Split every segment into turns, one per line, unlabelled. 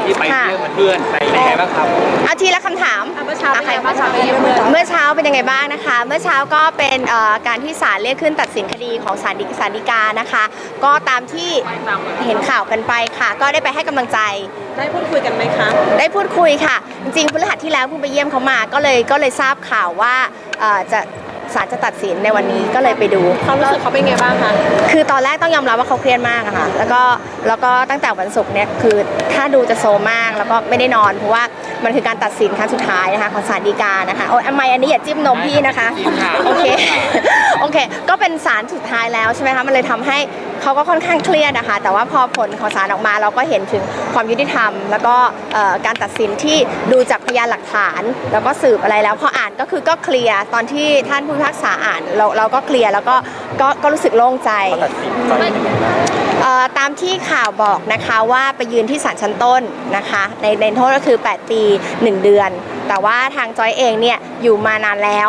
ที่ไปเที่ยวกับเพื่อนไปยังไงบ้างครับ
เอาทีละคำถาม
เมื่อเช้าเป็นยังไงบ้างคะเมื่อเช้า
เป็นยังไงบ้างนะคะเมื่อเช้าก็เป็นการที่ศาลเรียกขึ้นตัดสินคดีของศาลฎีกานะคะก็ตามที่เห็นข่าวกันไปค่ะก็ได้ไปให้กำลังใจ
ได้พูดคุยกันไหมคะ
ได้พูดคุยค่ะจริงๆพฤหัสที่แล้วเพิ่งไปเยี่ยมเขามาก็เลยทราบข่าวว่าศาลจะตัดสินในวันนี้ก็เลยไปดู
เขารู้สึกเขาเป็นไงบ้างคะ
คือตอนแรกต้องยอมรับว่าเขาเครียดมากอะค่ะแล้วก็ตั้งแต่วันศุกร์เนี่ยคือถ้าดูจะโซมากแล้วก็ไม่ได้นอนเพราะว่ามันคือการตัดสินครั้งสุดท้ายนะคะของศาลฎีกานะคะโอ้ยทำไมอันนี้อย่าจิ้มนมพี่นะคะโอเคโอเคก็เป็นศาลสุดท้ายแล้วใช่ไหมคะมันเลยทำให้เขาก็ค่อนข้างเครียดนะคะแต่ว่าพอผลของศาลออกมาเราก็เห็นถึงความยุติธรรมแล้วก็การตัดสินที่ดูจากพยานหลักฐานแล้วก็สืบอะไรแล้วพออ่านก็คือก็เคลียร์ตอนที่ท่านผู้พิพากษาอ่านเราก็เคลียร์แล้วก็รู้สึกโล่งใจตามที่ข่าวบอกนะคะว่าไปยืนที่ศาลชั้นต้นนะคะในโทษก็คือ8 ปี 1 เดือนแต่ว่าทางจอยเองเนี่ยอยู่มานานแล้ว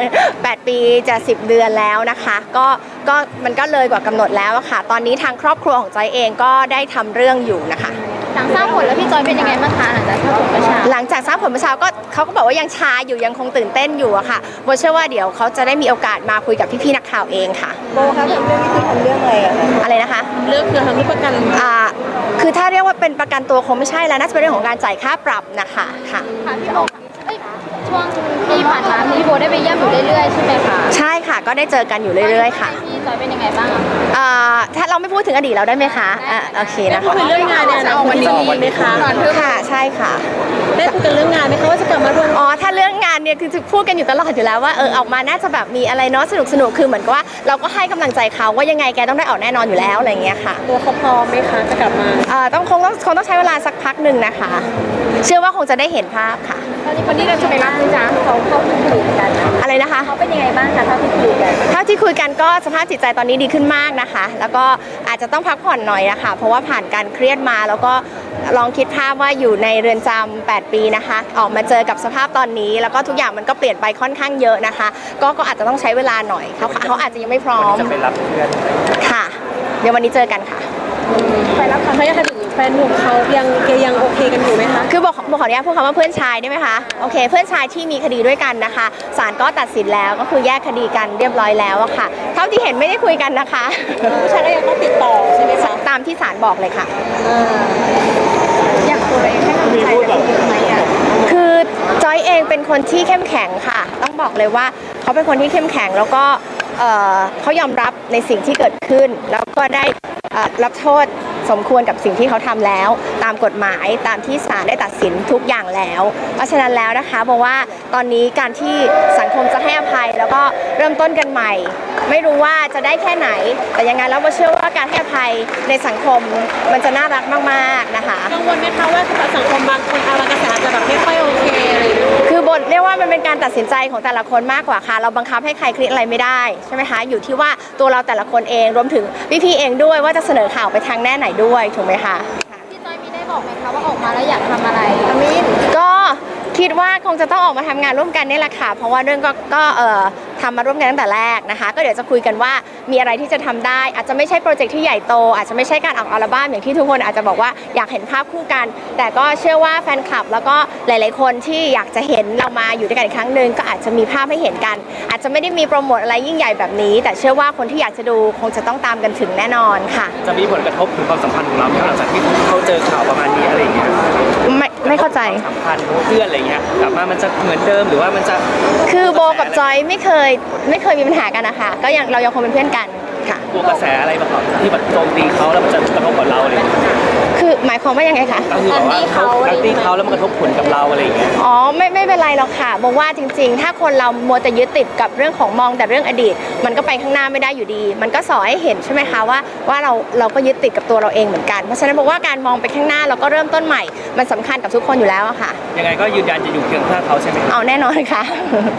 8 ปีจะ10 เดือนแล้วนะคะก็มันก็เลยกว่ากำหนดแล้วค่ะตอนนี้ทางครอบครัวของจอยเองก็ได้ทำเรื่องอยู่นะคะ
หลังทราบผลแล้วพี่จอยเป็นยังไงบ้างคะ
หลังจากทราบผลเมื่อเช้าก็เขาก็บอกว่ายังชาอยู่ยังคงตื่นเต้นอยู่อะค่ะโบเชื่อว่าเดี๋ยวเขาจะได้มีโอกาสมาคุยกับพี่ๆนักข่าวเองค่ะ
โบคะทำเรื่องนี้คือทำเรื่องอะไร
นะคะ
เรื่องคือทำที่ประกัน
คือถ้าเรียกว่าเป็นประกันตัวคงไม่ใช่แล้วน่าจะเป็นเรื่องของการจ่ายค่าปรับนะคะ
ค่ะพี่โบช่วงที่ผ่านมาพี่โบได้ไปเยี่ยมอยู่เรื่อยๆใช่ไหมคะ
ใช่ค่ะก็ได้เจอกันอยู่เรื่อยๆค่ะ
พี่จอยเป็นยังไงบ้าง
ถ้าเราไม่พูดถึงอดีตเราได้ไหมคะโอเคนะคะ
คุยเรื่องงานเนี่ยวันนี้ไหมคะ
ค่ะใช่ค่ะ
ได้คุยกันเรื่องงานไหมคะว่าจะกลับมาร่วม
ถ้าเรื่องงานเนี่ยคือพูดกันอยู่ตลอดอยู่แล้วว่าออกมาน่าจะแบบมีอะไรเนาะสนุกคือเหมือนกับว่าเราก็ให้กำลังใจเขาว่ายังไงแกต้องได้ออกแน่นอนอยู่แล้วอะไรเงี้ยค่ะ
ตัวเขาพร้อมไหมคะจะกลับมา
คงต้องใช้เวลาสักพักหนึ่งนะคะเชื่อว่าคงจะได้เห็นภาพค่ะ
วันนี้เราจะไปรับนะจ๊ะเขาเข้าคุยกัน
อะไรนะคะ
เขาเป็นยังไงบ้างคะเท่าที่คุยกัน
ก็สภาพจิตใจตอนนี้ดีขึ้นมากนะคะแล้วก็อาจจะต้องพักผ่อนหน่อยนะคะเพราะว่าผ่านการเครียดมาแล้วก็ลองคิดภาพว่าอยู่ในเรือนจำ8 ปีนะคะออกมาเจอกับสภาพตอนนี้แล้วก็ทุกอย่างมันก็เปลี่ยนไปค่อนข้างเยอะนะคะก็อาจจะต้องใช้เวลาหน่อยเขาอาจจะยังไม่พร้อม
จะไปรับเพื่อน
ค่ะเดี๋ยววันนี้เจอกันค่ะ
ไปรับเขาอยากถึงแฟนหนุ่มเขายังโอเคกันอยู่ไหมคะ
คือบอกขออนุญาตพูดคำว่าเพื่อนชายได้ไหมคะโอเคเพื่อนชายที่มีคดีด้วยกันนะคะศาลก็ตัดสินแล้วก็คือแยกคดีกันเรียบร้อยแล้วอะค่ะเท่าที่เห็นไม่ได้คุยกันนะคะ
ผู้ชายก็ยังต้องติดต่อใช่ไหมคะ
ตามที่ศาลบอกเลยค่ะ
อยากตัวเองให้กำลังใจกันไหม
คือจอยเองเป็นคนที่เข้มแข็งค่ะต้องบอกเลยว่าเขาเป็นคนที่เข้มแข็งแล้วก็เขายอมรับในสิ่งที่เกิดขึ้นแล้วก็ได้รับโทษสมควรกับสิ่งที่เขาทำแล้วตามกฎหมายตามที่ศาลได้ตัดสินทุกอย่างแล้วเพราะฉะนั้นแล้วนะคะบอกว่าตอนนี้การที่สังคมจะให้อภัยแล้วก็เริ่มต้นกันใหม่ไม่รู้ว่าจะได้แค่ไหนแต่ยังไงแล้วโบเชื่อว่าการให้อภัยในสังคมมันจะน่ารักมากๆนะคะ
กังวลไหมคะว่าสังคมบางคนบางกระแสอาจจะแบบไม่ค่อยโอเคอะไร
คือบทเรียกว่ามันเป็นการตัดสินใจของแต่ละคนมากกว่าค่ะเราบังคับให้ใครคิดอะไรไม่ได้ใช่ไหมคะอยู่ที่ว่าตัวเราแต่ละคนเองรวมถึงพี่เองด้วยว่าจะเสนอข่าวไปทางแน่ไหนด้วยถูกไหมคะ
พี่จอยมีได้บอกไหมคะว่าออกมาแล้วอยากทำอะไร
ก็คิดว่าคงจะต้องออกมาทำงานร่วมกันนี่แหละค่ะเพราะว่าเรื่องก็ทำมาร่วมกันตั้งแต่แรกนะคะก็เดี๋ยวจะคุยกันว่ามีอะไรที่จะทำได้อาจจะไม่ใช่โปรเจกต์ที่ใหญ่โตอาจจะไม่ใช่การออกอัลบั้มอย่างที่ทุกคนอาจจะบอกว่าอยากเห็นภาพคู่กันแต่ก็เชื่อว่าแฟนคลับแล้วก็หลายๆคนที่อยากจะเห็นเรามาอยู่ด้วยกันอีกครั้งหนึ่งก็อาจจะมีภาพให้เห็นกันอาจจะไม่ได้มีโปรโมทอะไรยิ่งใหญ่แบบนี้แต่เชื่อว่าคนที่อยากจะดูคงจะต้องตามกันถึงแน่นอนค่ะ
จะมีผลกระทบถึงความสัมพันธ์ของเราหลังจากที่เขาเจอข่าวประมาณนี้อะไรอย่างเงี้ย
ไม่เข้าใจ
สัมพันธ์เพื่อนอะไรเงี้ยกลับมามันจะเหมือนเดิมหรือว่ามันจะ
คือโบกับจอยไม่เคยมีปัญหากันนะคะก็เรายังคงเป็นเพื่อนกันค่ะ
กลัวกระแสอะไรบ้างครับที่แบบโจมตีเขาแล้วมันจะกระทบกับเราเลย
คือหมายความว่ายังไงคะ
ก็คือแบบว่าเขาตีเขาแล้วมันกระทบผลกับเราอะไรอย่างเงี้ย
ไม่เป็นไรหรอกค่ะบอกว่าจริงๆถ้าคนเรามัวแต่ยึดติดกับเรื่องของมองแต่เรื่องอดีตมันก็ไปข้างหน้าไม่ได้อยู่ดีมันก็สอนให้เห็นใช่ไหมคะว่าเราก็ยึดติดกับตัวเราเองเหมือนกันเพราะฉะนั้นบอกว่าการมองไปข้างหน้าแล้วก็เริ่มต้นใหม่มันสำคัญกับทุกคนอยู่แล้วอะค่ะ
ยังไงก็ยืนยันจะอยู่เคียงข้างเขาใช่ไหม
เอาแน่นอนค่ะ